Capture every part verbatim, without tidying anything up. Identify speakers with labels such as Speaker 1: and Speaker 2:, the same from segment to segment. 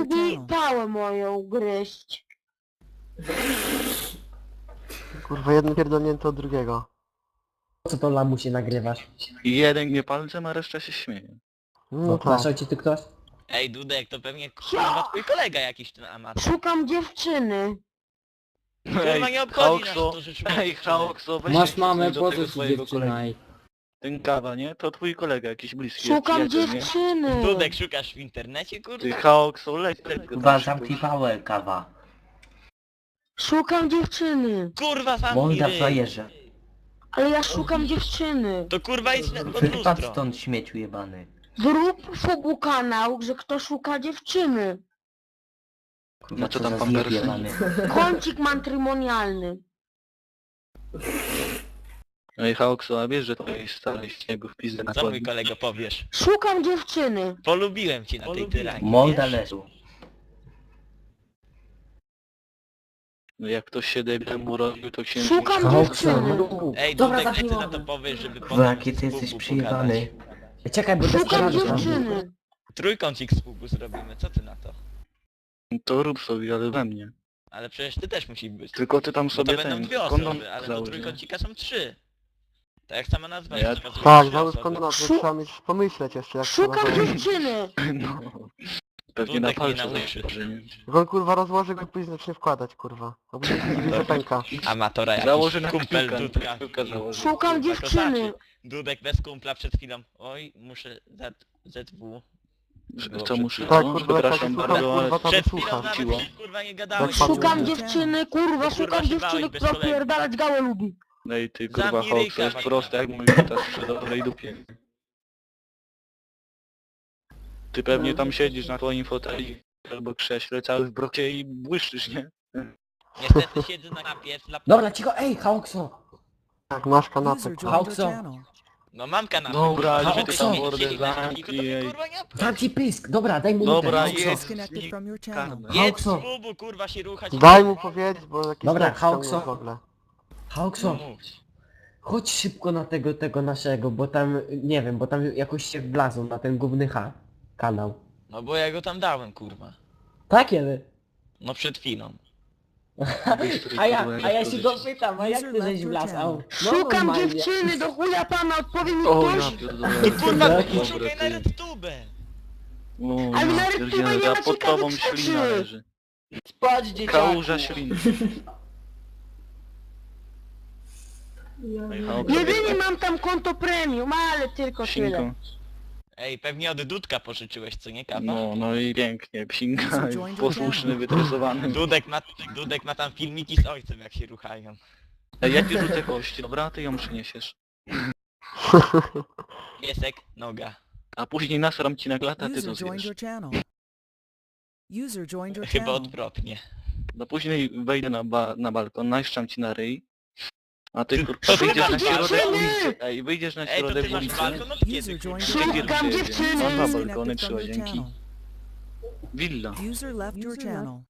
Speaker 1: lubi pałę moją gryźć.
Speaker 2: Kurwa, jeden pierdolnięty od drugiego.
Speaker 3: Po co to lamusie nagrywasz?
Speaker 4: I jeden nie palcem, a reszta się śmieje.
Speaker 2: No
Speaker 3: No,
Speaker 2: tak.
Speaker 3: naszał ci tu ktoś?
Speaker 5: Ej, Dudek, to pewnie kurwa twój kolega jakiś ten amator.
Speaker 1: Szukam dziewczyny.
Speaker 5: Kurwa nie obchodzi nas
Speaker 4: Haokso,
Speaker 5: to, że szukasz
Speaker 4: ej,
Speaker 5: dziewczyny.
Speaker 4: Haokso, weź
Speaker 6: Masz
Speaker 4: się
Speaker 6: mamę,
Speaker 4: do
Speaker 6: po
Speaker 4: tego
Speaker 6: co ci
Speaker 4: swojego
Speaker 6: dziewczyna
Speaker 4: kolegi.
Speaker 6: i...
Speaker 4: Ten kawa, nie? To twój kolega, jakiś bliski.
Speaker 1: Szukam
Speaker 4: jest przyjaciel, nie?
Speaker 1: dziewczyny.
Speaker 5: Dudek, szukasz w internecie,
Speaker 4: Ty
Speaker 5: kurwa?
Speaker 4: Haokso, leć, leć go
Speaker 7: Kurwa,
Speaker 4: tam
Speaker 7: zamknij
Speaker 4: szybko.
Speaker 7: pałę, kawa.
Speaker 1: Szukam dziewczyny.
Speaker 5: Kurwa, sam
Speaker 7: Molda
Speaker 5: ryj.
Speaker 7: frajerze.
Speaker 1: Ale ja szukam dziewczyny.
Speaker 5: To kurwa idź na- pod
Speaker 7: Wypadł
Speaker 5: lustro.
Speaker 7: stąd, śmieciu jebany.
Speaker 1: Zrób fobu kanał, że kto szuka dziewczyny.
Speaker 7: Kurwa,
Speaker 4: No co tam
Speaker 7: za
Speaker 4: pan
Speaker 7: zjeb
Speaker 4: Persy?
Speaker 7: jebany.
Speaker 1: Kącik matrymonialny.
Speaker 4: Ej, Haokso, a wiesz, że to jest stary śniegu w pizdę na
Speaker 5: Co mój
Speaker 4: kładni?
Speaker 5: kolego powiesz?
Speaker 1: Szukam dziewczyny.
Speaker 5: Polubiłem cię na tej tyranii,
Speaker 7: Molda
Speaker 5: wiesz?
Speaker 7: leżu.
Speaker 4: No jak ktoś się debilem urodził, to się...
Speaker 1: Szukam
Speaker 3: Haokso,
Speaker 1: dziewczyny.
Speaker 3: no.
Speaker 5: Ej,
Speaker 6: Dobra,
Speaker 5: Dudek, co ty na
Speaker 6: zamknij
Speaker 5: to powiesz, żeby
Speaker 7: Kurwa,
Speaker 5: potem
Speaker 7: jaki ty
Speaker 5: z
Speaker 7: jesteś
Speaker 5: pubu
Speaker 7: przyjebany.
Speaker 5: pogadać?
Speaker 3: Ej, czekaj, bo
Speaker 1: Szukam
Speaker 3: desperado tam.
Speaker 1: dziewczyny.
Speaker 5: Trójkącik z pubu zrobimy, co ty na to?
Speaker 4: To rób sobie, ale we mnie.
Speaker 5: Ale przecież ty też musisz być.
Speaker 4: Tylko ty tam
Speaker 5: Bo to
Speaker 4: sobie
Speaker 5: będą
Speaker 4: ten...
Speaker 5: dwie
Speaker 4: kondom
Speaker 5: osoby, ale do
Speaker 4: załóż, nie?
Speaker 5: trójkącika są trzy. Tak jak sama nazwa
Speaker 4: Ja-
Speaker 5: wskazuje,
Speaker 2: Tak,
Speaker 5: trzy
Speaker 2: załóż
Speaker 5: osoby.
Speaker 2: kondonat,
Speaker 1: Szu-
Speaker 2: trzeba mieć, pomyśleć jeszcze jak
Speaker 1: Szukam
Speaker 2: trzeba założyć.
Speaker 1: dziewczyny.
Speaker 4: No. Pewnie na
Speaker 5: Dudek mnie
Speaker 4: palce
Speaker 5: nauczy.
Speaker 4: założy, nie?
Speaker 2: Jak on kurwa rozłoży go i później zacznie wkładać, kurwa. A później się dziwi, że pęka.
Speaker 5: Amatora jakiś,
Speaker 4: Założy na
Speaker 5: kumpel
Speaker 4: kciuka,
Speaker 5: Dudka.
Speaker 4: kciuka założy.
Speaker 1: Szukam
Speaker 5: Kurwa,
Speaker 1: dziewczyny.
Speaker 5: kozaczy. Dudek bez kumpla przed chwilą. Oj, muszę Z, ZW. Było
Speaker 4: Co
Speaker 5: przed
Speaker 4: muszę?
Speaker 5: chwilą.
Speaker 2: Tak,
Speaker 4: No,
Speaker 2: kurwa, jak tak
Speaker 4: przepraszam
Speaker 2: słucham,
Speaker 4: bardzo, ale...
Speaker 2: kurwa, to
Speaker 5: Przed chwilą
Speaker 2: wysłucha.
Speaker 5: nawet
Speaker 4: Ciło.
Speaker 5: się, kurwa nie gadałeś.
Speaker 2: Tak,
Speaker 1: Szukam
Speaker 2: Kurwa,
Speaker 1: dziewczyny, kurwa,
Speaker 5: kurwa,
Speaker 1: szukam
Speaker 5: się
Speaker 1: dziewczyny,
Speaker 5: bałeś bez
Speaker 1: która
Speaker 5: kolegi.
Speaker 1: pierdalać gałę lubi.
Speaker 4: Ej ty kurwa
Speaker 5: Zamknij
Speaker 4: Haokso,
Speaker 5: ryjka,
Speaker 4: jest
Speaker 5: Wajka.
Speaker 4: proste jak mój gitas przy dobrej dupie. Ty pewnie tam siedzisz na twoim foteli albo krześle cały w brocie i błyszczysz, nie?
Speaker 5: Niestety siedzę na kanapie z laptopem.
Speaker 3: Dobra, cicho, ej, Haokso!
Speaker 2: Tak, masz kanapę. kurwa.
Speaker 3: Haokso!
Speaker 5: No mam kanapę.
Speaker 4: Dobra,
Speaker 5: kurwa,
Speaker 3: ale
Speaker 5: żeby
Speaker 3: ty
Speaker 5: to
Speaker 3: tam
Speaker 5: mieć
Speaker 4: mordę
Speaker 5: siedzieć na
Speaker 4: zamknij,
Speaker 5: kanapie, to mnie,
Speaker 4: ej.
Speaker 5: kurwa nie obchodzi.
Speaker 3: Zamknij pysk! Dobra, daj mu
Speaker 4: Dobra,
Speaker 3: minutę.
Speaker 4: jest
Speaker 8: Disconnected from your channel.
Speaker 5: Jedz z
Speaker 3: Haokso.
Speaker 5: bubu, kurwa się ruchać.
Speaker 2: Daj mu powiedzieć, bo jakiś
Speaker 3: Dobra,
Speaker 2: tekst tam
Speaker 3: Haokso.
Speaker 2: w ogóle.
Speaker 3: Haokso,
Speaker 5: No mów.
Speaker 3: chodź szybko na tego, tego naszego, bo tam, nie wiem, bo tam jakoś się wlazł na ten główny H kanał.
Speaker 5: No bo ja go tam dałem, kurwa.
Speaker 3: Tak, kiedy?
Speaker 5: No przed chwilą.
Speaker 3: A ja, a ja się go pytam, a jak ty żeś wlazł? No,
Speaker 1: Szukam
Speaker 3: normalnie.
Speaker 1: dziewczyny, do chuja pana, odpowie mi
Speaker 4: O ja
Speaker 1: ktoś.
Speaker 4: pierdolę.
Speaker 5: Kurwa,
Speaker 3: Dobra,
Speaker 5: szukaj na
Speaker 4: ty.
Speaker 5: RedTube.
Speaker 4: O
Speaker 1: Ale na
Speaker 4: ja
Speaker 1: RedTube
Speaker 4: pierdzielę,
Speaker 1: nie
Speaker 4: za
Speaker 1: ma
Speaker 4: pod tobą
Speaker 1: ciekawych
Speaker 4: ślina
Speaker 1: rzeczy.
Speaker 4: leży.
Speaker 6: Spać, dzieciaku!
Speaker 4: Kałuża śliny. Ej, Haokso,
Speaker 1: Jedynie mam tam konto premium, ale tylko tyle.
Speaker 4: psinką.
Speaker 5: Ej, pewnie od Dudka pożyczyłeś, co nie, kawa?
Speaker 4: No, no i pięknie, psinka, posłuszny, wytresowany.
Speaker 5: Dudek ma, Dudek ma tam filmiki z ojcem, jak się ruchają.
Speaker 4: Ej, ja ci rzucę kość, dobra? Ty ją przyniesiesz.
Speaker 5: Piesek, noga.
Speaker 4: A później nasram ci na glata, ty to
Speaker 8: User joined
Speaker 4: zjesz.
Speaker 8: your channel. User joined your
Speaker 5: Chyba
Speaker 8: channel.
Speaker 5: odwrotnie.
Speaker 4: No później wejdę na, ba na balkon, najszczam ci na ryj. A ty kurwa
Speaker 5: to
Speaker 4: wyjdziesz na
Speaker 1: ty
Speaker 4: środek
Speaker 1: dziewczyny!
Speaker 4: ulicy. Ej, wyjdziesz na
Speaker 5: Ej, to ty
Speaker 4: środek
Speaker 5: masz
Speaker 4: ulicy.
Speaker 5: balkon od kiedy?
Speaker 8: User joined
Speaker 5: kurwa?
Speaker 8: your
Speaker 4: Szukam
Speaker 1: Szukam
Speaker 4: dziewczyny.
Speaker 1: dziewczyny.
Speaker 4: Mam dwa
Speaker 8: Disconnected
Speaker 4: balkony,
Speaker 8: from
Speaker 4: trzy
Speaker 8: your
Speaker 4: łazienki.
Speaker 8: channel.
Speaker 4: Willa.
Speaker 8: User left your channel.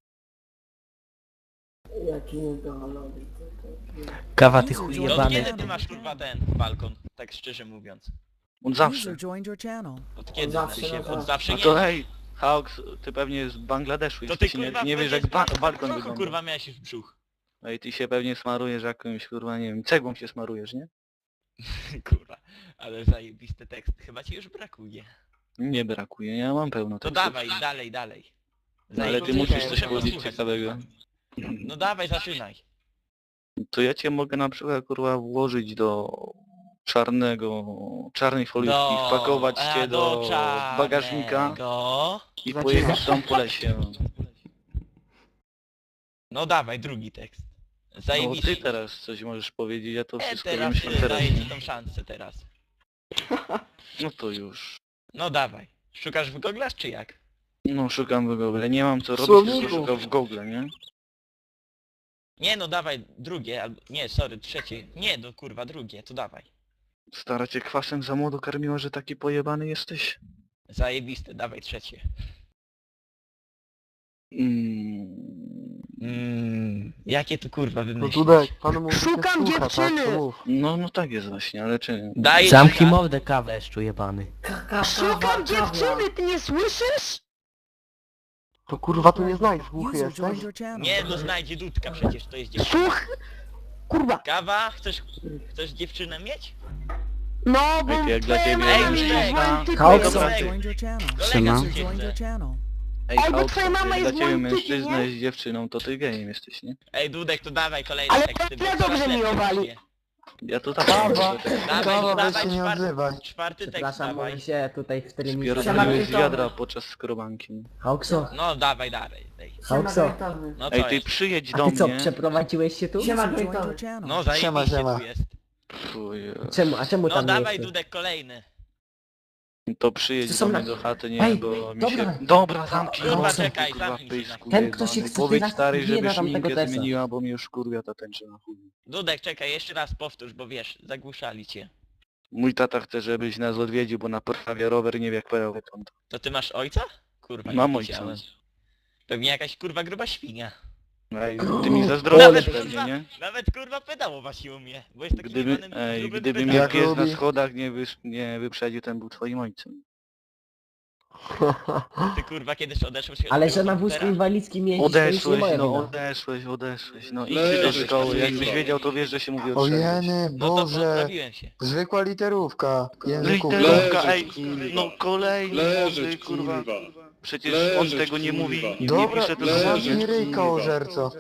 Speaker 6: Jaki niedolony.
Speaker 7: Kawa, ty
Speaker 8: User
Speaker 7: chuj
Speaker 8: joined
Speaker 5: To od
Speaker 7: jebany.
Speaker 5: kiedy ty masz kurwa ten balkon? Tak szczerze mówiąc.
Speaker 4: On zawsze.
Speaker 8: User joined your channel.
Speaker 5: Od kiedy
Speaker 6: zawsze
Speaker 5: znaczy się?
Speaker 6: na tak.
Speaker 5: Od zawsze
Speaker 4: A
Speaker 5: nie.
Speaker 4: to hej, Hawks, ty pewnie z Bangladeszu
Speaker 5: To ty
Speaker 4: jesteś,
Speaker 5: kurwa
Speaker 4: nie, nie wiesz
Speaker 5: będziesz
Speaker 4: jak ba
Speaker 5: w
Speaker 4: balkon
Speaker 5: brzuchu,
Speaker 4: wygląda.
Speaker 5: kurwa miałeś w brzuch.
Speaker 4: Ej, ty się pewnie smarujesz jakąś kurwa, nie wiem, cegłą się smarujesz, nie?
Speaker 5: Kurwa. Ale zajebisty tekst. Chyba ci już brakuje.
Speaker 4: Nie brakuje, ja mam pełno
Speaker 5: To
Speaker 4: tekstów.
Speaker 5: dawaj, dalej, dalej.
Speaker 4: No, ale ty
Speaker 5: Zajebisty
Speaker 4: musisz
Speaker 5: tekst,
Speaker 4: coś
Speaker 5: muszę
Speaker 4: powiedzieć
Speaker 5: posłuchać.
Speaker 4: ciekawego.
Speaker 5: No dawaj, zaczynaj.
Speaker 4: To ja cię mogę na przykład kurwa włożyć do czarnego, czarnej foliówki,
Speaker 5: Do...
Speaker 4: wpakować
Speaker 5: a,
Speaker 4: cię do
Speaker 5: czarnego.
Speaker 4: bagażnika i
Speaker 2: Zaczyna.
Speaker 4: pojedziesz tam po lesie.
Speaker 5: No dawaj, drugi tekst.
Speaker 4: No
Speaker 5: Zajebisty.
Speaker 4: ty teraz coś możesz powiedzieć, ja to
Speaker 5: E,
Speaker 4: wszystko
Speaker 5: teraz
Speaker 4: wiem
Speaker 5: y,
Speaker 4: teraz.
Speaker 5: daję ci tą szansę teraz.
Speaker 4: No to już.
Speaker 5: No dawaj. Szukasz w goglach czy jak?
Speaker 4: No szukam w Google, nie mam co robić,
Speaker 2: Słowniku.
Speaker 4: tylko szukam w Google, nie?
Speaker 5: Nie no dawaj drugie, albo... Nie, sorry, trzecie. Nie, no kurwa, drugie, to dawaj.
Speaker 4: Stara cię kwasem za młodo karmiła, że taki pojebany jesteś?
Speaker 5: Zajebiste, dawaj trzecie.
Speaker 4: Mm.
Speaker 5: Mmm, jakie tu kurwa
Speaker 2: No
Speaker 5: wymyślić?
Speaker 2: Dudek, panu mówi,
Speaker 1: Szukam
Speaker 2: słucha, tak?
Speaker 1: dziewczyny.
Speaker 2: To mów.
Speaker 4: No, no tak jest właśnie, ale czy...
Speaker 5: Daj
Speaker 7: Zamknij mordę, kawa, jeszcze jebany.
Speaker 1: Szukam dziewczyny, ty nie słyszysz?
Speaker 2: To kurwa tu nie znajdziesz, głuchy
Speaker 8: User
Speaker 2: jesteś?
Speaker 8: joined your channel.
Speaker 5: Nie, no znajdzie Dudka przecież, to jest dziewczyna.
Speaker 1: Słuch! Kurwa!
Speaker 5: Kawa, chcesz, chcesz dziewczynę mieć?
Speaker 1: No, bo
Speaker 4: Ej, to jak dla
Speaker 1: twoja
Speaker 4: ciebie
Speaker 1: mama
Speaker 5: mężczyzna.
Speaker 1: jest waltykiem.
Speaker 3: Chaos.
Speaker 8: User
Speaker 5: Dobra.
Speaker 8: joined your channel.
Speaker 5: Kolega
Speaker 4: Siema.
Speaker 8: User joined your
Speaker 5: cię.
Speaker 8: channel.
Speaker 4: Ej,
Speaker 1: Ej, bo
Speaker 4: Hałk,
Speaker 1: twoja mama
Speaker 4: jak dla
Speaker 1: jest
Speaker 4: ciebie
Speaker 1: moim typem,
Speaker 4: mężczyzna
Speaker 1: nie?
Speaker 4: jest dziewczyną, to ty gejem jesteś, nie?
Speaker 5: Ej, Dudek, to dawaj kolejne
Speaker 1: Ale
Speaker 5: teksty, bo
Speaker 1: ja
Speaker 5: coraz
Speaker 1: dobrze mi
Speaker 5: lepiej
Speaker 1: owali.
Speaker 5: idzie.
Speaker 4: Ja to tak
Speaker 2: Kawa.
Speaker 5: Dawaj,
Speaker 2: Kawa,
Speaker 5: no
Speaker 2: weź
Speaker 5: dawaj,
Speaker 2: się nie
Speaker 5: czwarty,
Speaker 2: odzywaj.
Speaker 5: czwarty tekst
Speaker 3: Przepraszam,
Speaker 5: dawaj.
Speaker 3: mogę się tutaj w terminie...
Speaker 4: Spierdoliłeś z wiadra podczas skrobanki.
Speaker 3: Hałkso,
Speaker 5: No dawaj dalej. Dej.
Speaker 3: Hałkso,
Speaker 5: No
Speaker 4: Ej,
Speaker 5: co
Speaker 4: ty
Speaker 5: jest?
Speaker 4: przyjedź
Speaker 3: a
Speaker 4: do
Speaker 3: ty co,
Speaker 4: mnie.
Speaker 3: przeprowadziłeś się tu?
Speaker 8: User joined your channel.
Speaker 5: No
Speaker 2: Siema,
Speaker 5: zajebiście
Speaker 2: siema.
Speaker 5: tu jest.
Speaker 4: Fuj,
Speaker 3: Czemu, a czemu
Speaker 5: No
Speaker 3: tam nie
Speaker 5: dawaj
Speaker 3: jesteś?
Speaker 5: Dudek kolejny.
Speaker 4: to przyjedź
Speaker 3: To są
Speaker 4: do mnie
Speaker 3: na-
Speaker 4: do chaty, nie,
Speaker 3: Ej,
Speaker 4: bo mi
Speaker 3: dobra.
Speaker 4: się... Dobra, zamknij
Speaker 5: Kurwa,
Speaker 4: nos,
Speaker 5: czekaj,
Speaker 4: kurwa,
Speaker 5: zamknij się
Speaker 4: pyszku,
Speaker 3: Ten,
Speaker 4: jebany.
Speaker 3: kto się chce
Speaker 4: Powiedz
Speaker 3: teraz
Speaker 4: stary,
Speaker 3: wbije
Speaker 4: żeby
Speaker 3: na tamtego
Speaker 4: szminkę
Speaker 3: tesa.
Speaker 4: zmieniła, bo mi już kurwia ta tęcza na chuj.
Speaker 5: Dudek, czekaj, jeszcze raz powtórz, bo wiesz, zagłuszali cię.
Speaker 4: Mój tata chce, żebyś nas odwiedził, bo naprawia rower, nie wie jak pełen wygląda.
Speaker 5: To ty masz ojca? Kurwa,
Speaker 4: Mam
Speaker 5: nie
Speaker 4: ojca.
Speaker 5: widziałem. Pewnie jakaś kurwa gruba świnia.
Speaker 4: Ej, ty mi zazdrościsz
Speaker 5: Nawet
Speaker 4: pewnie,
Speaker 5: kurwa,
Speaker 4: nie?
Speaker 5: nawet kurwa pedał wasiło mnie, bo jest taki
Speaker 4: Gdyby,
Speaker 5: jebanym
Speaker 4: ej,
Speaker 5: grubym
Speaker 4: gdyby
Speaker 5: pedałem.
Speaker 4: mnie
Speaker 2: Jak
Speaker 4: pies na
Speaker 2: lubi.
Speaker 4: schodach nie, wysz, nie wyprzedził, ten był twoim ojcem.
Speaker 5: Ty kurwa kiedyś odeszłeś od
Speaker 3: Ale
Speaker 5: tego
Speaker 3: że na wózku
Speaker 5: komputera?
Speaker 3: inwalidzkim jeździć, to już nie
Speaker 4: Odeszłeś,
Speaker 3: moja
Speaker 4: no
Speaker 3: wina.
Speaker 4: odeszłeś, odeszłeś, no idź do
Speaker 9: Leżysz,
Speaker 4: szkoły, jakbyś
Speaker 9: kurwa.
Speaker 4: wiedział to wiesz, że się mówi
Speaker 2: O
Speaker 4: odszedłeś.
Speaker 2: jeny,
Speaker 5: No to
Speaker 2: Boże.
Speaker 5: poprawiłem się.
Speaker 2: Zwykła literówka. Języku.
Speaker 4: Literówka,
Speaker 9: Leżysz,
Speaker 4: ej,
Speaker 9: kurwa.
Speaker 4: no kolejny
Speaker 9: Leżysz,
Speaker 4: młody, kurwa.
Speaker 9: kurwa.
Speaker 4: Przecież
Speaker 9: Leżysz,
Speaker 4: on tego nie
Speaker 9: kurwa.
Speaker 4: mówi i nie
Speaker 2: Dobra,
Speaker 4: pisze tego
Speaker 9: leżysz,
Speaker 2: zamknij ryjka,
Speaker 9: kurwa.
Speaker 2: ożerco.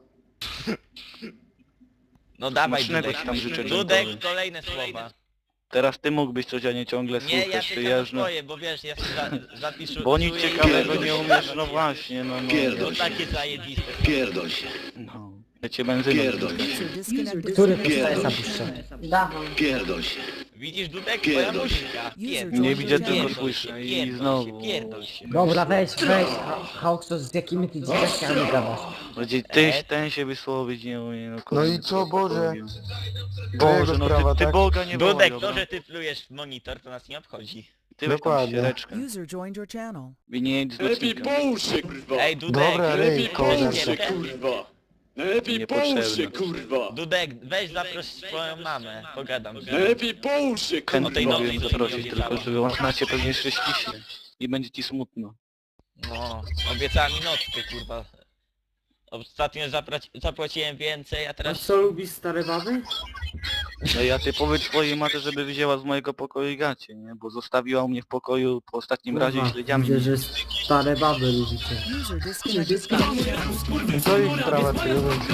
Speaker 5: No dawaj
Speaker 4: Smacznego
Speaker 5: Dudek.
Speaker 4: ci tam życzę,
Speaker 5: Dudek,
Speaker 4: dziękuję.
Speaker 5: kolejne słowa.
Speaker 4: Teraz ty mógłbyś coś, a nie ciągle
Speaker 5: Nie, ja
Speaker 4: słuchasz,
Speaker 5: czekam na
Speaker 4: przyjeżdżę.
Speaker 5: twoje, bo wiesz, ja się za, zapiszę...
Speaker 4: Bo nic ciekawego nie umiesz, no właśnie, no no.
Speaker 5: No takie zajebiste.
Speaker 9: Pierdol się,
Speaker 4: no. Ja cię benzyną
Speaker 9: Pierdol.
Speaker 4: wrzucę.
Speaker 8: User disconnected
Speaker 3: Który
Speaker 8: from
Speaker 3: to
Speaker 8: your
Speaker 3: jest
Speaker 8: channel.
Speaker 3: zapuszczony?
Speaker 9: pierdol się.
Speaker 5: Widzisz Dudek? Twoja
Speaker 9: Pierdol.
Speaker 5: muzyka.
Speaker 8: User
Speaker 4: Nie
Speaker 8: joined
Speaker 4: widzę,
Speaker 8: your
Speaker 4: tylko
Speaker 8: channel.
Speaker 4: słyszę i
Speaker 5: Pierdol
Speaker 4: znowu.
Speaker 5: się, pierdol się.
Speaker 3: Dobra, weź, weź, Ha- Hałkso, z jakimi ty dzieciakami gadasz?
Speaker 4: Będzie tyś, ten się wysłowić nie umie, no
Speaker 2: No
Speaker 4: kurde,
Speaker 2: i co, Boże?
Speaker 4: Boże,
Speaker 2: Twojego
Speaker 4: no
Speaker 2: sprawa,
Speaker 4: ty, ty
Speaker 2: tak?
Speaker 4: Boga nie
Speaker 5: Dudek,
Speaker 4: boi,
Speaker 5: to,
Speaker 4: dobra.
Speaker 5: że ty plujesz w monitor, to nas nie obchodzi.
Speaker 4: Ty weź tam
Speaker 2: Dokładnie.
Speaker 4: ściereczkę.
Speaker 8: User joined your channel.
Speaker 4: I nie jedź z
Speaker 9: Lepiej
Speaker 4: nocnika.
Speaker 9: połóż się, kurwa.
Speaker 5: Ej, Dudek,
Speaker 2: Dobra,
Speaker 9: Lepiej
Speaker 2: ryj,
Speaker 9: połóż się,
Speaker 2: koleżanko.
Speaker 9: kurwa. Lepiej
Speaker 4: Niepotrzebne.
Speaker 9: połóż się, kurwa.
Speaker 5: Dudek, weź zaproś swoją mamę, pogadam z nią.
Speaker 9: Lepiej połóż się,
Speaker 5: O
Speaker 4: Chętnie
Speaker 5: tej
Speaker 9: kurwa.
Speaker 5: nowej
Speaker 4: mogę
Speaker 5: to
Speaker 4: zaprosić,
Speaker 5: nie
Speaker 4: tylko
Speaker 5: obiecała.
Speaker 4: żeby ona cię pewnie jeszcze ściśnie. I będzie ci smutno.
Speaker 5: No, obiecała mi nockę, kurwa. Ostatnio zapraci- zapłaciłem więcej, a teraz...
Speaker 6: co lubisz stare baby?
Speaker 4: No ja ty powiedz swojej matce, żeby wzięła z mojego pokoju gacie, nie? Bo zostawiła u mnie w pokoju po ostatnim razie i śledziami.
Speaker 6: Widzę, że stare baby lubicie.
Speaker 8: User disconnected from your channel.
Speaker 2: To ich sprawa, czy lubię, czy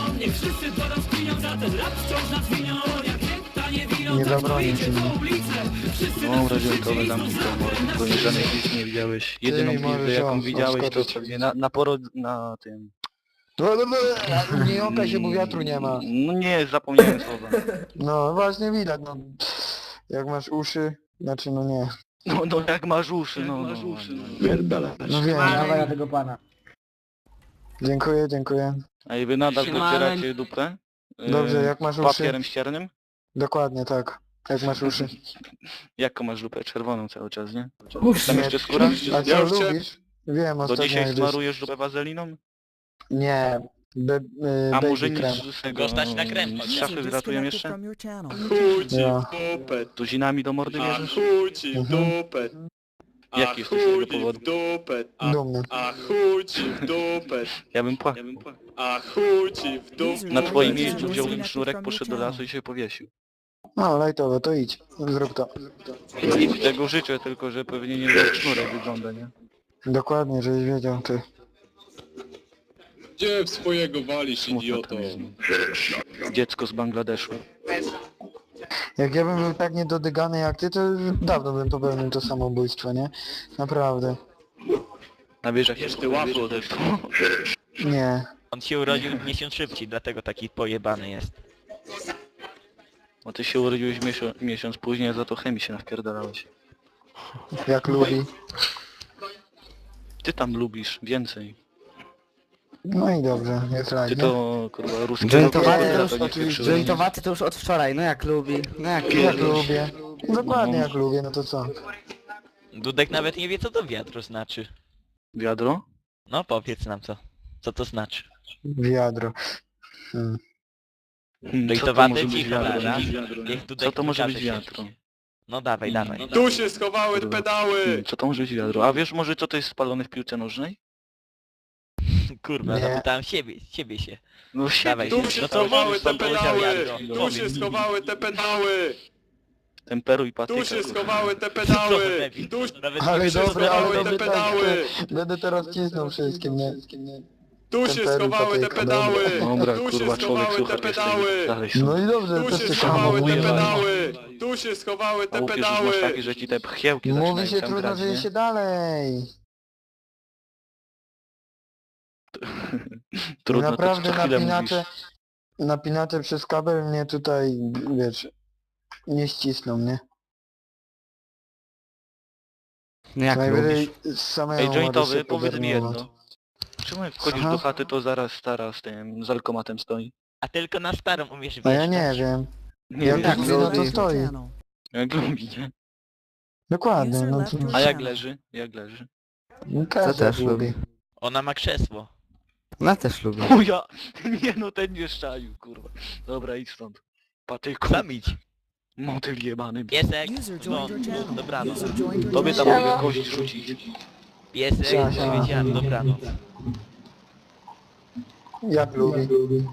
Speaker 2: nie. Nie zabronię ci mnie.
Speaker 4: No, radzielkowe zamknij to mordy, tylko nie żadnej pizzy nie widziałeś. Jedyną
Speaker 2: mi
Speaker 4: pizdę
Speaker 2: możesz
Speaker 4: jaką
Speaker 2: ją
Speaker 4: widziałeś to
Speaker 2: odskoczyć.
Speaker 4: pewnie na, na porod... na tym...
Speaker 2: Nie jąkaj się, bo wiatru nie ma.
Speaker 4: No nie, zapomniałem słowa.
Speaker 2: No właśnie widać, no. Jak masz uszy, znaczy no nie.
Speaker 4: No, no jak masz uszy, no, no, no.
Speaker 2: No wiem.
Speaker 3: Dawaj na tego pana.
Speaker 2: Dziękuję, dziękuję.
Speaker 4: A i wy nadal
Speaker 6: Siemano.
Speaker 4: docieracie dupę? Y,
Speaker 2: Dobrze, jak masz uszy?
Speaker 4: Papierem ściernym?
Speaker 2: Dokładnie tak. Jak masz uszy.
Speaker 4: Jaką masz dupę? Czerwoną cały czas, nie?
Speaker 2: Uff,
Speaker 4: Tam jeszcze skóra?
Speaker 2: A co
Speaker 9: Ja już chciałem-
Speaker 2: lubisz? Wiem,
Speaker 4: To
Speaker 2: ostatnio
Speaker 4: dzisiaj
Speaker 2: jak gdzieś...
Speaker 4: smarujesz dupę wazeliną?
Speaker 2: Nie. Be, y,
Speaker 4: A
Speaker 2: baby
Speaker 4: może
Speaker 2: krem.
Speaker 4: nic z tego...
Speaker 5: Go stać na krem,
Speaker 4: z
Speaker 5: chociaż.
Speaker 4: szafy
Speaker 8: User
Speaker 4: wyratują
Speaker 8: disconnected
Speaker 4: jeszcze?
Speaker 8: from your channel.
Speaker 9: Chuj ci
Speaker 2: Ja.
Speaker 9: w dupę.
Speaker 4: Tuzinami do mordy
Speaker 9: A
Speaker 4: bierzesz?
Speaker 9: chuj ci w
Speaker 2: Mhm.
Speaker 9: dupę. A
Speaker 4: Jaki jesteś z
Speaker 9: chuj
Speaker 4: tego
Speaker 9: ci
Speaker 4: powodu?
Speaker 9: w dupę. A,
Speaker 2: Dumny.
Speaker 9: a chuj ci w dupę.
Speaker 4: Ja bym płakał.
Speaker 9: A chuj ci w dupę.
Speaker 4: Na twoim
Speaker 8: User
Speaker 4: miejscu wziąłbym
Speaker 8: disconnected
Speaker 4: sznurek,
Speaker 8: from your
Speaker 4: poszedł do
Speaker 8: channel.
Speaker 4: lasu i się powiesił.
Speaker 2: No, lajtowe, to idź. Zrób to.
Speaker 4: I tego życzę, tylko że pewnie nie jak sznurek wygląda, nie?
Speaker 2: Dokładnie, żebyś wiedział, ty.
Speaker 9: Gdzie w swojego walisz,
Speaker 4: Smutno
Speaker 9: idioto?
Speaker 4: to jest. Dziecko z Bangladeszu.
Speaker 2: Jak ja bym był tak niedodygany jak ty, to już dawno bym popełnił to samobójstwo, nie? Naprawdę.
Speaker 4: A wiesz jak się
Speaker 9: Wiesz, ty łapło
Speaker 4: też.
Speaker 2: Nie.
Speaker 5: On się urodził miesiąc szybciej, dlatego taki pojebany jest.
Speaker 4: Bo ty się urodziłeś miesiąc, miesiąc później, a za to chemii się nawpierdalałeś.
Speaker 2: Jak lubi.
Speaker 4: Ty tam lubisz więcej.
Speaker 2: No i dobrze, jest
Speaker 4: Ty
Speaker 2: rajnie.
Speaker 4: to kurwa ruskie
Speaker 7: Jointowaty
Speaker 4: rowery,
Speaker 7: to
Speaker 4: a to
Speaker 7: już,
Speaker 4: nie
Speaker 7: od,
Speaker 4: pieprzyłeś.
Speaker 7: jointowaty to już od wczoraj, no jak lubi, no jak
Speaker 2: Jak
Speaker 7: lubi.
Speaker 2: lubię. Dokładnie jak lubię, no to co?
Speaker 5: Dudek nawet nie wie, co to wiadro znaczy.
Speaker 4: Wiadro?
Speaker 5: No powiedz nam co. Co to znaczy?
Speaker 2: Wiadro. Hmm.
Speaker 4: Hmm, co to
Speaker 5: Dojtowaty
Speaker 4: może być
Speaker 5: cicho,
Speaker 4: wiadro?
Speaker 5: dobra?
Speaker 4: nie?
Speaker 5: Niech Dudek
Speaker 4: Co to może
Speaker 5: wykaże
Speaker 4: być
Speaker 5: się.
Speaker 4: wiadro?
Speaker 5: No dawaj, dawaj.
Speaker 9: Tu się schowały
Speaker 4: Kurwa.
Speaker 9: pedały.
Speaker 4: Hmm, Co to może być wiadro? A wiesz może co to jest spalone w piłce nożnej?
Speaker 5: Kurwa,
Speaker 2: Nie.
Speaker 5: zapytałem siebie, ciebie się.
Speaker 4: No
Speaker 5: Dawaj
Speaker 4: siebie,
Speaker 9: Tu
Speaker 5: się,
Speaker 9: się
Speaker 5: no to
Speaker 9: schowały
Speaker 5: możesz
Speaker 9: te
Speaker 5: tam powiedział
Speaker 9: pedały!
Speaker 5: Jadro.
Speaker 9: Tu
Speaker 5: Powiedz
Speaker 9: się
Speaker 5: mi.
Speaker 9: schowały te pedały!
Speaker 4: temperuj patyka.
Speaker 9: Tu się
Speaker 4: kurwa.
Speaker 9: schowały te pedały! Tu
Speaker 5: Nawet
Speaker 2: Ale
Speaker 5: nie
Speaker 9: się
Speaker 2: dobry, ale
Speaker 9: schowały
Speaker 2: dobry
Speaker 9: te
Speaker 2: tak,
Speaker 9: pedały!
Speaker 2: będę teraz cisnął wszystkim, nie?
Speaker 9: Tu się
Speaker 2: Temperuj
Speaker 9: schowały te
Speaker 2: patyka,
Speaker 9: pedały!
Speaker 4: Dobra,
Speaker 9: Tu się
Speaker 4: kurwa, człowiek
Speaker 9: schowały
Speaker 4: słucha
Speaker 9: te pedały!
Speaker 4: dalej
Speaker 2: No i dobrze,
Speaker 9: Tu
Speaker 2: też
Speaker 9: się
Speaker 2: się
Speaker 9: schowały te
Speaker 2: hamowuje.
Speaker 9: pedały! Tu się schowały
Speaker 4: A
Speaker 9: te
Speaker 4: łupisz już masz takie,
Speaker 9: pedały!
Speaker 4: że ci te pchiełki
Speaker 2: Mówi
Speaker 4: zaczynają
Speaker 2: się
Speaker 4: tam
Speaker 2: trudno,
Speaker 4: grać,
Speaker 2: żyje
Speaker 4: nie?
Speaker 2: się dalej.
Speaker 4: Trudno,
Speaker 2: Naprawdę
Speaker 4: to co chwilę
Speaker 2: napinacze,
Speaker 4: mówisz.
Speaker 2: napinacze przez kabel mnie tutaj, wiesz, nie ścisną, nie?
Speaker 7: No jak
Speaker 2: Najwyżej
Speaker 7: lubisz?
Speaker 2: samemu
Speaker 4: Ej,
Speaker 2: możesz
Speaker 4: jointowy,
Speaker 2: się
Speaker 4: powiedz mi
Speaker 2: podermować.
Speaker 4: jedno. Czemu jak wchodzisz
Speaker 2: Aha.
Speaker 4: do chaty, to zaraz stara z tym, z alkomatem stoi?
Speaker 5: A tylko na starą umiesz
Speaker 2: No ja
Speaker 5: wjeżdżać.
Speaker 2: nie wiem.
Speaker 4: Nie
Speaker 2: Jak
Speaker 4: wiem,
Speaker 2: tak
Speaker 4: jak,
Speaker 2: lubi, no
Speaker 8: User
Speaker 2: to
Speaker 8: left your
Speaker 2: stoi.
Speaker 8: channel.
Speaker 4: jak lubi, nie?
Speaker 2: Dokładnie,
Speaker 8: User
Speaker 2: no
Speaker 8: left
Speaker 2: to...
Speaker 8: your
Speaker 4: A jak
Speaker 8: channel.
Speaker 4: leży? Jak leży?
Speaker 2: No
Speaker 7: To
Speaker 2: każdy
Speaker 7: też
Speaker 2: lubi.
Speaker 7: lubi.
Speaker 5: Ona ma krzesło.
Speaker 7: Ona też lubi.
Speaker 4: O ja! Nie no, ten nie szczaił, kurwa. Dobra, idź stąd. Patyku,
Speaker 5: Sam idź.
Speaker 4: motyl jebany.
Speaker 5: Piesek,
Speaker 8: User
Speaker 5: no,
Speaker 8: joined your channel.
Speaker 5: dobranoc.
Speaker 8: User joined your
Speaker 4: Tobie tam
Speaker 8: channel.
Speaker 4: mogę kość rzucić.
Speaker 5: Piesek,
Speaker 2: Siema, siema.
Speaker 5: powiedziałem dobranoc.
Speaker 2: Jak lubi.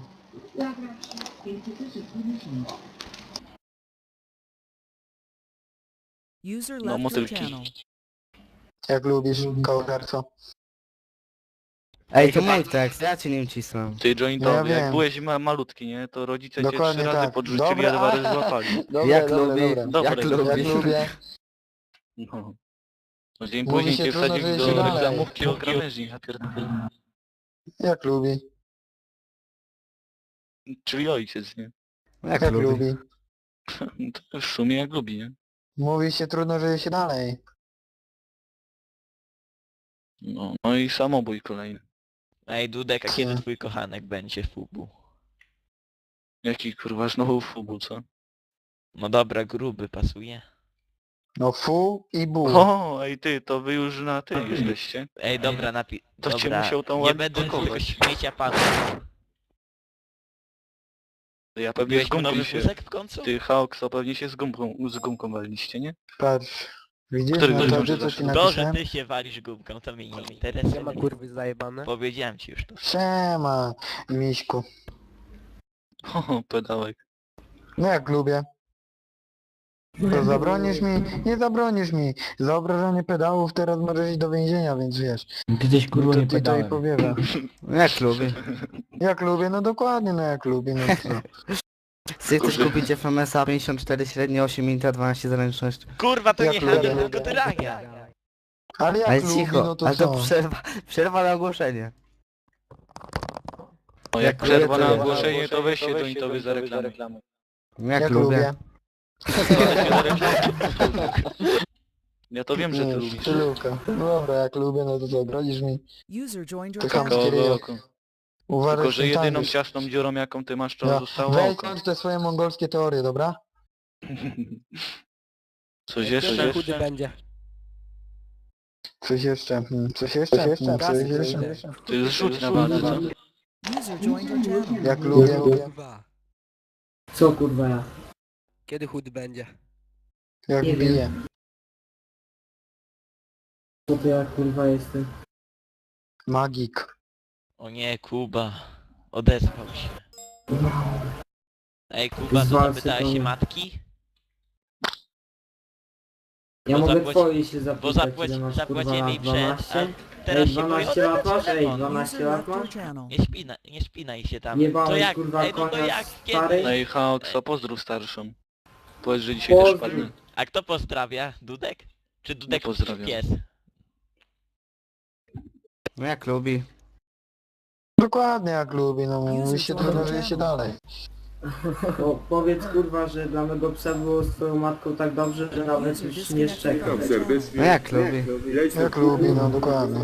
Speaker 8: User
Speaker 4: No,
Speaker 8: left your
Speaker 4: motylki.
Speaker 8: channel.
Speaker 2: Jak lubisz, kołgarco.
Speaker 7: Ej, to mój tekst, ja ci nim cisnę.
Speaker 4: Ty jointowy,
Speaker 2: No ja
Speaker 4: jak
Speaker 2: wiem.
Speaker 4: byłeś ma malutki, nie? To rodzice cię
Speaker 2: Dokładnie
Speaker 4: trzy razy
Speaker 2: tak.
Speaker 4: podrzucili,
Speaker 2: Dobra,
Speaker 4: a dwa razy
Speaker 2: a-
Speaker 4: złapali.
Speaker 2: Dobra,
Speaker 7: Jak
Speaker 2: dobra,
Speaker 7: lubi,
Speaker 2: dobra.
Speaker 4: Dobra,
Speaker 7: jak
Speaker 4: dobra.
Speaker 7: lubi.
Speaker 2: Jak lubię.
Speaker 4: No. No dzień
Speaker 2: Mówi
Speaker 4: później
Speaker 2: się
Speaker 4: cię
Speaker 2: trudno,
Speaker 4: wsadził
Speaker 2: że
Speaker 4: do
Speaker 2: się dalej.
Speaker 4: reklamówki o krawężni, ja pierdolę.
Speaker 2: Jak lubi.
Speaker 4: Czyli ojciec, nie?
Speaker 7: Jak
Speaker 2: Jak
Speaker 7: lubi.
Speaker 2: lubi.
Speaker 4: To w sumie jak lubi, nie?
Speaker 2: Mówi się trudno, żyje się dalej.
Speaker 4: No, no i samobój kolejny.
Speaker 5: Ej, Dudek, a
Speaker 2: Co?
Speaker 5: kiedy twój kochanek będzie w fubu?
Speaker 4: Jaki kurwa znowu fubu, co?
Speaker 5: No dobra, gruby, pasuje.
Speaker 2: No fu i bu.
Speaker 4: O, ej ty, to wy już na ty jesteście.
Speaker 5: Ej, dobra, napi...
Speaker 4: To cię
Speaker 5: dobra,
Speaker 4: musiał tam
Speaker 5: nie
Speaker 4: ładnie
Speaker 5: będę tego
Speaker 4: pakować.
Speaker 5: śmiecia panu.
Speaker 4: Ja pewnie z
Speaker 5: Biłeś mu
Speaker 4: gumki
Speaker 5: nowy
Speaker 4: się...
Speaker 5: wózek w końcu?
Speaker 4: Ty, Hawks, pewnie się z gumką, z gumką waliliście, nie?
Speaker 2: Patrz. Widzisz
Speaker 4: Który
Speaker 2: na
Speaker 4: gość
Speaker 2: to,
Speaker 4: może
Speaker 2: co ci
Speaker 4: zacząć?
Speaker 5: To, że
Speaker 2: napisałem?
Speaker 5: ty się walisz gumką, to mnie nie interesuje.
Speaker 3: kurwy zajebane.
Speaker 5: Powiedziałem ci już to.
Speaker 2: Siema, miśku.
Speaker 4: O, pedałek.
Speaker 2: No jak lubię. To zabronisz mi? Nie zabronisz mi. Za obrażanie pedałów teraz możesz iść do więzienia, więc wiesz.
Speaker 3: Kiedyś kurwa
Speaker 2: To
Speaker 3: nie
Speaker 2: ty to i
Speaker 3: pedałem.
Speaker 2: powiewa.
Speaker 7: Jak lubi.
Speaker 2: Jak lubię? No dokładnie, no jak lubię. No co?
Speaker 7: Ty chcesz kupić F M S a pięćdziesiąt cztery średnio, osiem minut, dwanaście zręczność.
Speaker 5: Kurwa, to
Speaker 2: Jak
Speaker 5: nie
Speaker 2: lubię.
Speaker 5: handel, tylko tyrania.
Speaker 2: Ale jak
Speaker 7: Ale
Speaker 2: lubi,
Speaker 7: cicho,
Speaker 2: no to
Speaker 7: ale
Speaker 2: co?
Speaker 7: to przerwa, przerwa na ogłoszenie.
Speaker 4: O,
Speaker 7: Jak
Speaker 4: jak przerwa
Speaker 7: lubię,
Speaker 4: na
Speaker 7: to-
Speaker 4: ogłoszenie, to weź się jointowy za reklamę.
Speaker 7: Jak,
Speaker 2: Jak
Speaker 7: lubię.
Speaker 2: lubię.
Speaker 4: Ja to wiem, że ty
Speaker 2: Nie,
Speaker 4: lubisz.
Speaker 2: Luka. No dobra, jak lubię, no to co, grozisz mi?
Speaker 8: User joined your
Speaker 2: To
Speaker 8: channel.
Speaker 2: chamskie ryjo.
Speaker 4: Koło,
Speaker 2: Uważaj,
Speaker 4: Tylko,
Speaker 2: z
Speaker 4: że
Speaker 2: tym
Speaker 4: jedyną
Speaker 2: tańczysz.
Speaker 4: ciasną dziurą, jaką ty masz, to
Speaker 2: No,
Speaker 4: zostało
Speaker 2: weź
Speaker 4: oko.
Speaker 2: kończ te swoje mongolskie teorie, dobra?
Speaker 4: Coś jeszcze?
Speaker 3: chudy będzie.
Speaker 2: Coś jeszcze, hmm, coś jeszcze, coś jeszcze, coś jeszcze.
Speaker 4: Ty zrzuć na walce, co?
Speaker 8: User joined your channel.
Speaker 2: Jak lubię,
Speaker 6: Co kurwa ja?
Speaker 3: Kiedy chudy będzie?
Speaker 2: jak
Speaker 6: Nie wiem.
Speaker 2: bije.
Speaker 6: Co to ja kurwa jestem?
Speaker 2: Magik.
Speaker 5: O nie, Kuba. Odezwał się. Ej, Kuba, to
Speaker 6: Zwalcy
Speaker 5: zapytałeś
Speaker 6: to
Speaker 5: się
Speaker 6: nie.
Speaker 5: matki?
Speaker 6: Ja
Speaker 5: Bo
Speaker 6: mogę
Speaker 5: zapłaci-
Speaker 6: twojej się zapytać,
Speaker 5: Bo zapłaci,
Speaker 6: ile masz,
Speaker 5: zapłacimy
Speaker 6: kurwa,
Speaker 5: jej przed,
Speaker 6: dwanaście?
Speaker 5: a teraz
Speaker 6: Ej,
Speaker 5: się boi
Speaker 6: dwanaście lat
Speaker 5: odebrać
Speaker 6: masz? Ej,
Speaker 5: telefon.
Speaker 6: dwanaście
Speaker 8: User
Speaker 6: lat
Speaker 8: left your
Speaker 6: masz?
Speaker 8: channel.
Speaker 5: Nie spinaj, nie spinaj się tam.
Speaker 6: Jebałeś,
Speaker 5: To jak,
Speaker 6: kurwa,
Speaker 5: ej, no to
Speaker 6: konia
Speaker 5: jak,
Speaker 6: stary?
Speaker 5: kiedy?
Speaker 4: Ej, Hawks, a pozdrów starszą. Powiedz, że dzisiaj też
Speaker 6: Pozdrów.
Speaker 4: padnę.
Speaker 5: A kto pozdrawia? Dudek? Czy Dudek
Speaker 4: pozdrawiam.
Speaker 5: pies?
Speaker 7: No jak lubi.
Speaker 2: Dokładnie jak lubi, no mówi się trudno, żyje się dalej.
Speaker 6: Bo powiedz kurwa, że dla mego psa było z twoją matką tak dobrze, że nawet
Speaker 8: User
Speaker 6: już nie szczeka.
Speaker 8: disconnected from your channel.
Speaker 7: No jak lubi.
Speaker 2: Jak lubi, no dokładnie.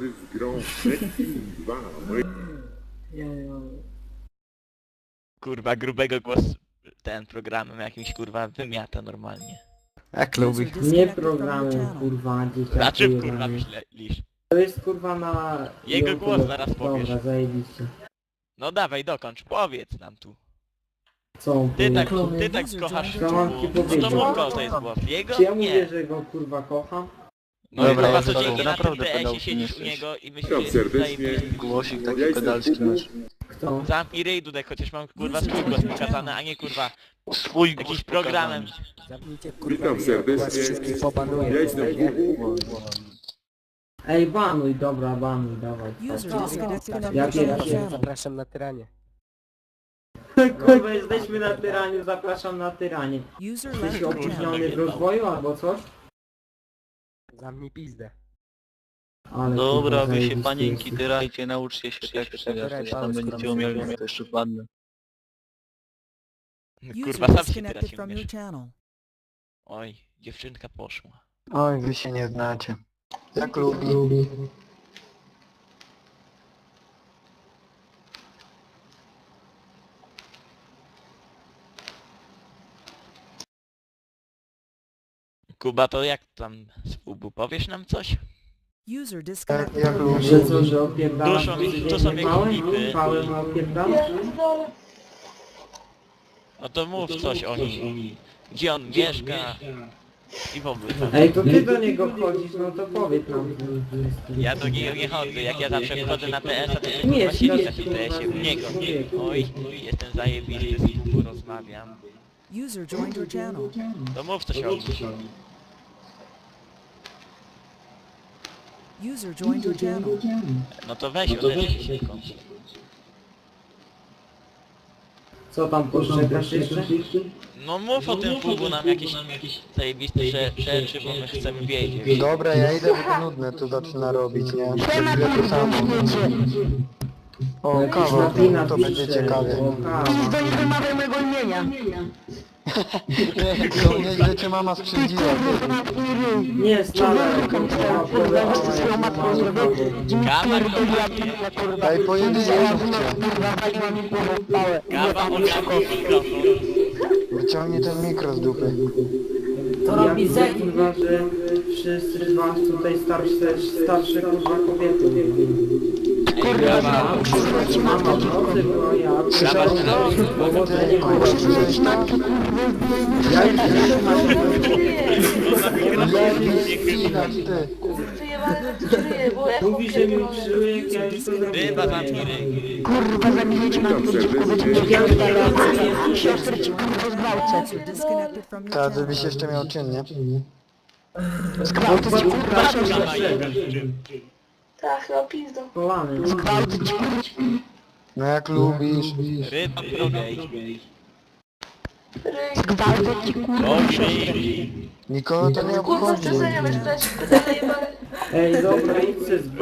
Speaker 5: Kurwa, grubego głos ten programem jakimś kurwa wymiata normalnie.
Speaker 7: Jak lubi.
Speaker 8: User
Speaker 6: Nie
Speaker 8: disconnected from your
Speaker 6: programem
Speaker 8: channel.
Speaker 6: kurwa,
Speaker 5: Na
Speaker 6: dzieciaki
Speaker 5: czym kurwa
Speaker 6: jebany.
Speaker 5: myślisz?
Speaker 6: To jest kurwa na...
Speaker 5: Jego
Speaker 6: YouTube.
Speaker 5: głos zaraz powiesz.
Speaker 6: Dobra, zajebiście.
Speaker 5: No dawaj, dokończ, powiedz nam tu.
Speaker 6: Co on
Speaker 5: Ty tak,
Speaker 6: powie?
Speaker 5: ty tak kochasz
Speaker 6: Co mam ci
Speaker 5: No to
Speaker 6: powiedzieć?
Speaker 5: mów, kto to jest głos. Jego?
Speaker 6: Czy ja mówię,
Speaker 5: Nie.
Speaker 6: że go kurwa kocham?
Speaker 5: No
Speaker 4: Dobra,
Speaker 5: kurwa
Speaker 4: ja
Speaker 5: codziennie
Speaker 4: to
Speaker 5: na tym
Speaker 4: naprawdę
Speaker 5: T S-ie
Speaker 4: pedałkiem
Speaker 5: siedzisz u
Speaker 4: jesteś.
Speaker 5: niego i myślisz,
Speaker 9: Witam
Speaker 5: że jesteś
Speaker 9: serdecznie.
Speaker 5: zajebisty.
Speaker 4: Głosik taki
Speaker 9: Ja jestem
Speaker 4: pedalski masz.
Speaker 6: Kto?
Speaker 5: Zamknij ryj Dudek, chociaż mam kurwa swój głos pokazany, a nie kurwa
Speaker 4: Swój głos
Speaker 5: jakimś programem.
Speaker 9: Witam serdecznie. Ja jestem
Speaker 6: Ej, banuj, dobra, banuj, dawaj.
Speaker 8: User disconnected from
Speaker 6: Ja
Speaker 8: your channel.
Speaker 6: pierwszy.
Speaker 3: Zapraszam na tyranie.
Speaker 6: Kurwa, jesteśmy na tyraniu, zapraszam na tyranie.
Speaker 8: User
Speaker 6: Jesteś
Speaker 8: left your
Speaker 6: opóźniony
Speaker 8: channel.
Speaker 6: w rozwoju albo coś?
Speaker 3: Zamknij pizdę.
Speaker 6: Ale
Speaker 4: Dobra,
Speaker 6: kurwa,
Speaker 4: wy się
Speaker 6: zajebisty
Speaker 4: panienki
Speaker 6: jesteś.
Speaker 4: tyrajcie, nauczcie się tak przejść, tam będziecie umieli, to jeszcze wpadnę.
Speaker 5: Kurwa,
Speaker 8: User
Speaker 5: sam się
Speaker 8: disconnected
Speaker 5: teraz
Speaker 8: from your
Speaker 5: umiesz.
Speaker 8: channel.
Speaker 5: Oj, dziewczynka poszła.
Speaker 2: Oj, wy się nie znacie. Jak lubi.
Speaker 5: Kuba, to jak tam z Fubu, powiesz nam coś?
Speaker 8: User
Speaker 2: Jak,
Speaker 8: disconnected
Speaker 2: jak
Speaker 8: from your
Speaker 2: lubi.
Speaker 6: Że co, że opierdalam?
Speaker 5: Duszą mi-
Speaker 6: codziennie
Speaker 5: to są jakieś
Speaker 6: pałę?
Speaker 5: klipy.
Speaker 6: Pałę ma opierdalam?
Speaker 5: No to mów coś o nim. Gdzie on mieszka? I w ogóle tam.
Speaker 6: Ej, to ty do niego chodzisz, no to powiedz nam.
Speaker 5: Ja do niego nie chodzę, jak ja zawsze wchodzę na T S-a, to się
Speaker 6: Nie,
Speaker 5: kurwa siedzi na
Speaker 6: to-
Speaker 5: tym T S-ie u niego. Oj, jestem zajebisty, z Fubu rozmawiam.
Speaker 8: User joined your channel.
Speaker 5: To mów coś o nim.
Speaker 8: User joined your channel.
Speaker 5: No to weź odezwij się tylko.
Speaker 6: Co tam poszczekasz jeszcze?
Speaker 5: No mów o tym Fubu nam jakieś zajebiste rze- rzeczy, bo my chcemy wiedzieć.
Speaker 2: Dobra, ja idę, bo to nudne tu zaczyna robić, nie?
Speaker 1: Siema,
Speaker 2: Chwilę to
Speaker 1: kurwa,
Speaker 2: samo.
Speaker 1: wiecie.
Speaker 2: O,
Speaker 6: Jakiś
Speaker 2: kawa,
Speaker 6: Latina
Speaker 2: to będzie
Speaker 6: pisze,
Speaker 2: ciekawie.
Speaker 6: o, kawa.
Speaker 1: To nie wymawiaj mojego imienia.
Speaker 2: To nieźle cię mama sprzędziła.
Speaker 6: Nie, stale.
Speaker 1: Kurwa, jeszcze ze swoją matką zrobię.
Speaker 5: Kawa,
Speaker 1: Pierdoliła
Speaker 5: kurwa,
Speaker 1: mnie, kurwa.
Speaker 2: Ej, pojedynczo mówcie.
Speaker 1: Kurwa, waliła mi głową w pałę.
Speaker 5: kawa, odszako mikrofon.
Speaker 2: Wyciągnij ten mikro z dupy.
Speaker 6: To robi zek. Kurwa, że wszyscy z was tutaj starsze, starsze kurwa kobiety.
Speaker 1: Kurwa,
Speaker 6: Mama w nocy była ja.
Speaker 2: Słyszałeś to? Ty, kurwa, słyszałeś to?
Speaker 6: Ja jestem
Speaker 2: Ja nie ścinać, ty.
Speaker 6: Mówi, że mi przyłyk, ja już to
Speaker 5: Ryba,
Speaker 6: zrobiłem.
Speaker 5: zamknij ryj.
Speaker 1: kurwa, zabijecie matkę, dziecko, będziecie
Speaker 6: Ja już
Speaker 1: mieli
Speaker 6: tak
Speaker 1: siostrę ci kurwa zgwałcę.
Speaker 8: User disconnected from your
Speaker 2: Ta,
Speaker 8: channel.
Speaker 2: żebyś jeszcze miał czyn, nie?
Speaker 1: Zgwałcę ci kurwa siostrę.
Speaker 10: Tak, no pizdo.
Speaker 6: Kolany.
Speaker 1: Zgwałcę ci kurwa.
Speaker 2: No jak lubisz.
Speaker 5: Ryba, drogej.
Speaker 10: Ryj.
Speaker 1: Zgwałcę ci kurwa.
Speaker 5: Dobry.
Speaker 2: Nikogo to nie
Speaker 10: Kurwa,
Speaker 2: obchodzi.
Speaker 10: przestań, ja będę pytać pytania jebane.
Speaker 6: Ej, dobra, idźcie z